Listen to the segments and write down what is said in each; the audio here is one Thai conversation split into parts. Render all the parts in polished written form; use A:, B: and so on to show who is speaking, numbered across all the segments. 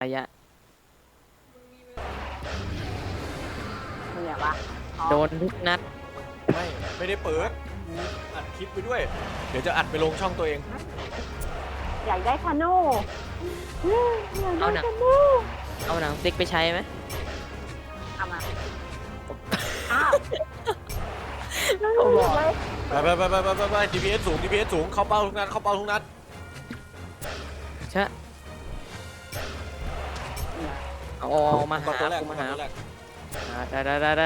A: ระยะ
B: เนี่ยวะ
A: โดนทุกนัด
C: ไม่ได้เปิดอัดคลิปไปด้วยเดี๋ยวจะอัดไปลงช่องตัวเอง
B: อยากได้ธนูอยากได้ธนู
A: เอาหนังสติ๊กไปใช้ไหม
B: เอามาอ้าว
C: ไป DPS สูง DPS สูงเข้าเป้าทุกนัด
A: ใช่เอามาหากูมาหาได้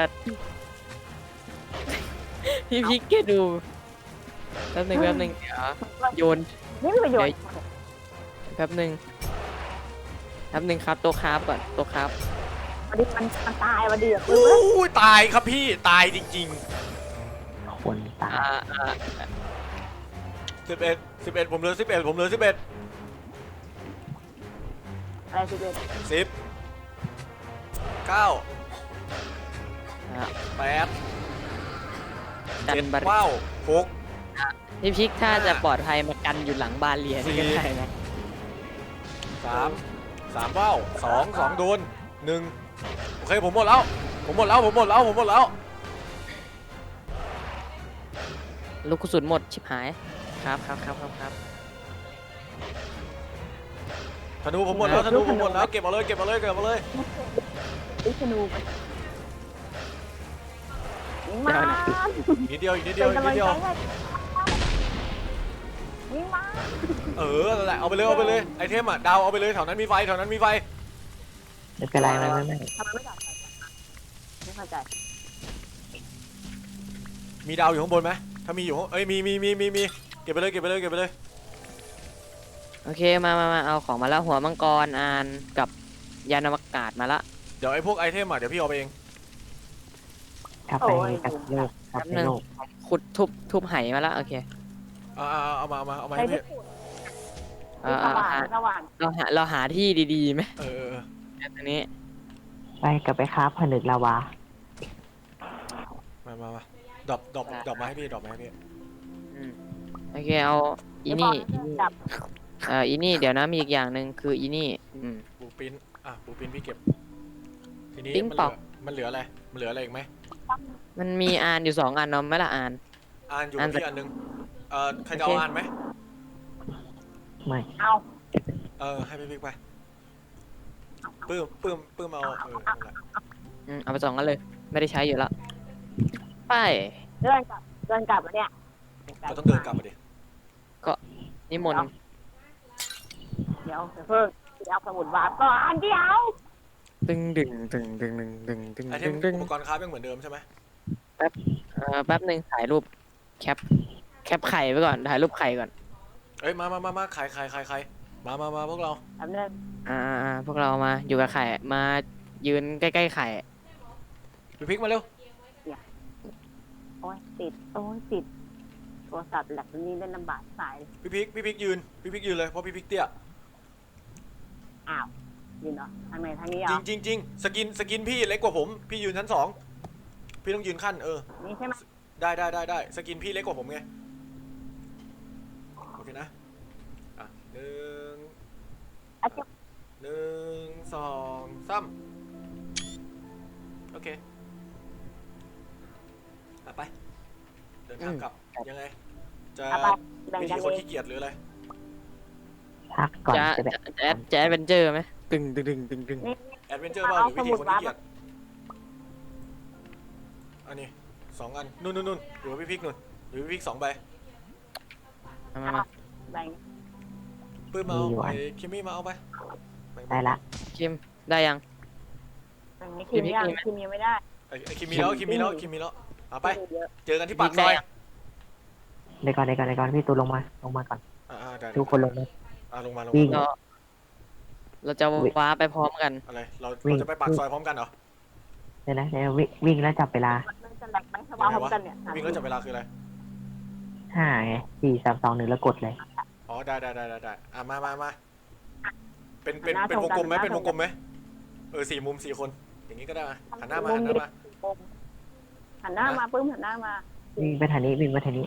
A: พี่พิกแกดูแป๊บหนึ่งเดี๋ยวโยน
B: นี่มีประโยชน์
A: แป๊บหนึ่งครับตัวคราฟก่อนตัวคราฟ
B: วันนี้มันตายวันเดียว
C: ตายครับพี่ตายจริง
D: ๆคนตาย
C: 11ผมเหลือ11
B: อะไร11
C: 10 9 8 7 6
A: พี่พิกถ้าจะปลอดภัยมากันอยู่หลังบาเรียนี่ก็ได้นะ
C: 3เป้า2โดน1โอเคผมหมดแล้ว
A: ลูกกระสุนหมดชิบหายครับ
C: ธนูผมหมดแล้วเก็บมาเลย
B: ธนูมา
C: นิดเดียว
B: วิ่งมา
C: นั่นแหละเอาไปเลยไอเทมอ่ะดาวเอาไปเลยแถวนั้นมีไฟ
D: ไม่เป็นไรไม่
B: ทำไมไม่จับไม่เข้าใจ
C: มีดาวอยู่ข้างบนไหมถ้ามีอยู่มีเก็บไปเลย
A: โอเคมาเอาของมาแล้วหัวมังกรอ่านกับยานอวกาศมาละ
C: เดี๋ยวไอพวกไอเทมอ่ะเดี๋ยวพี่เอาไปเอง
D: กลับไปโลก
A: ขุดทุบไหมาละโอเค
C: เอามาให้พี่
A: เราหาที่ดีๆไหมตรงนี้
D: ไปกลับไปค้าผนึกลาวา
C: มาดรอปมาให้พี่
A: โอเคเอาอีนี่เดี๋ยวนะมีอีกอย่างหนึ่งคืออีนี่
C: ปูปิ้นพี่เก็บทีนี้มันเหลืออะไรอีกไหม
A: มันมีอ่านอยู่2 อันเนาะไม่ละอ่าน
C: อยู่ที่อันนึงใครจะเอาอ่านไหม
D: ไม่
C: เอาให้พี่ไปปื้มเอา
A: เอาไป2 อันเลยไม่ได้ใช้อยู่แล้วไป
B: เดินกลับแล้วเนี่ย
C: เราต้องเดินกลับมาดิ
A: ก็นิมนต์
B: เดี๋ยวเพิ่งเอาสมุดวาดก่อนเดี๋ยว
A: ดึง
C: ไอเทมอุปกรณ์คราฟยังเหมือนเดิมใช่ไหม
A: แป๊บหนึ่งถ่ายรูปแคปไข่ไว้ก่อนถ่ายรูปไข่ก่อน
C: มาไข่มาพวกเรา
B: แป๊บนึง
A: พวกเรามาอยู่กับไข่มายืนใกล้ๆไข่
C: พี่พิกมาเร็ว
B: โอ้ยติดโทรศัพท์แหลกนี้เล่นลำบากสาย
C: พี่พิกยืนเลยเพราะพี่พิกเตี้ย
B: อ้าวยืนเหรอทางไหนทางนี้
C: จริงสกินพี่เล็กกว่าผมพี่ยืนชั้น2พี่ต้องยืนขั้น
B: นี่ใช่ไหม
C: ได้สกินพี่เล็กกว่าผมไงโอเคนะ1 2 3โอเคไปเดินทางกลับยังไงจะวิธีคนขี้เกียจหรืออะไร
D: พักก่อน
A: จะแอดเวนเจอร์ไหมตึง
C: แอดเวนเจอร์บ้างหรือวิธีคนขี้เกียจอันนี้2 อันนู่นหรือพี่พิกนู่นหรือพี่พิก2 ใบ
A: มา
C: ปื้มเอาไอ้คิมมี่มาเอาไป
D: ได้ละ
A: คิมได้ยัง
B: คิมยังไม่ได้
C: ไอ้คิมมีแล้วเอาไปเจอกันที่ปากซอย
D: เดี๋ยวก่อนพี่ตูลงมาก่อนทุกคนลงมา
C: วิ่ง
A: เราจะว้าไปพร้อมกัน
C: อะไรเราจะไปปากซอยพร้อมกันเหรอ
D: เดี๋ยววิ่งแล้วจับเวลา
C: วิ่งแล้วจับเวลาคืออะไร
D: 5 ไง 4 3 2 1แล้วกดเลย
C: อ๋อได้มาเป็นวงกลมไหม4 มุม 4 คนอย่างนี้ก็ได้หันหน้ามา
B: ปื้มหันหน้ามา
D: วิ่งไปทางนี้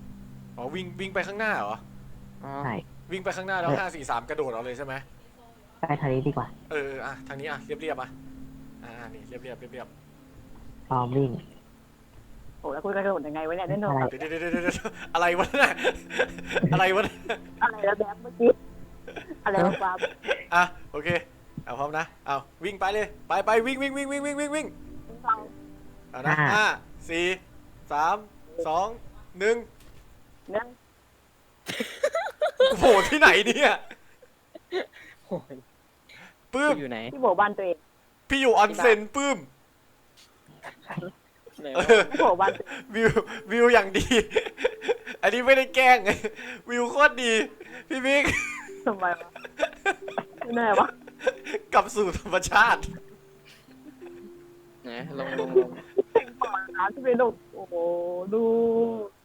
C: อ๋อวิ่งไปข้างหน้าเหรอ
D: ใช่
C: วิ่งไปข้างหน้าแล้ว5 4 3กระโดดเอาเลยใช่ไหม
D: ใกล้ทางนี้ดีกว่า
C: อ่ะทางนี้อ่ะเรียบๆอ่ะนี่เรียบ
D: พร้อมวิ่ง
B: โอ้แล้วคุณกระโดดยังไงวะเนี่ยเล่นโทรศัพท์
C: เดี๋ยวอะไรวะเนี่ยอะไรวะเนี่ย
B: อะไรแล้วแบบเมื่อกี้อะไรวะฟ้า
C: อ่ะโอเคเอาพร้อมนะเอาวิ่งไปเลยไปวิ่งเอานะ5 4 3 2 1
B: นั่ง
C: โผล่ที่ไหนเนี่ย
A: โอ้ย
C: ปื้ม
A: อยู่ไหน
B: ที่โบบ้านตัวเอง
C: พี่อยู่ออนเซ็นปื้ม
A: ไหน
C: เอ
A: วะ
C: อ
B: ที่โบบ้านตัวเอง
C: วิวอย่างดี อันนี้ไม่ได้แกล้ง วิวโคตรดีพี่บิ๊ก
B: ทำไมวะไม่แน่วะ
C: กลับสู่ธรรมชาติ
A: ไหนลง
B: ปอดน้ำที่เป็นโอ้โหดู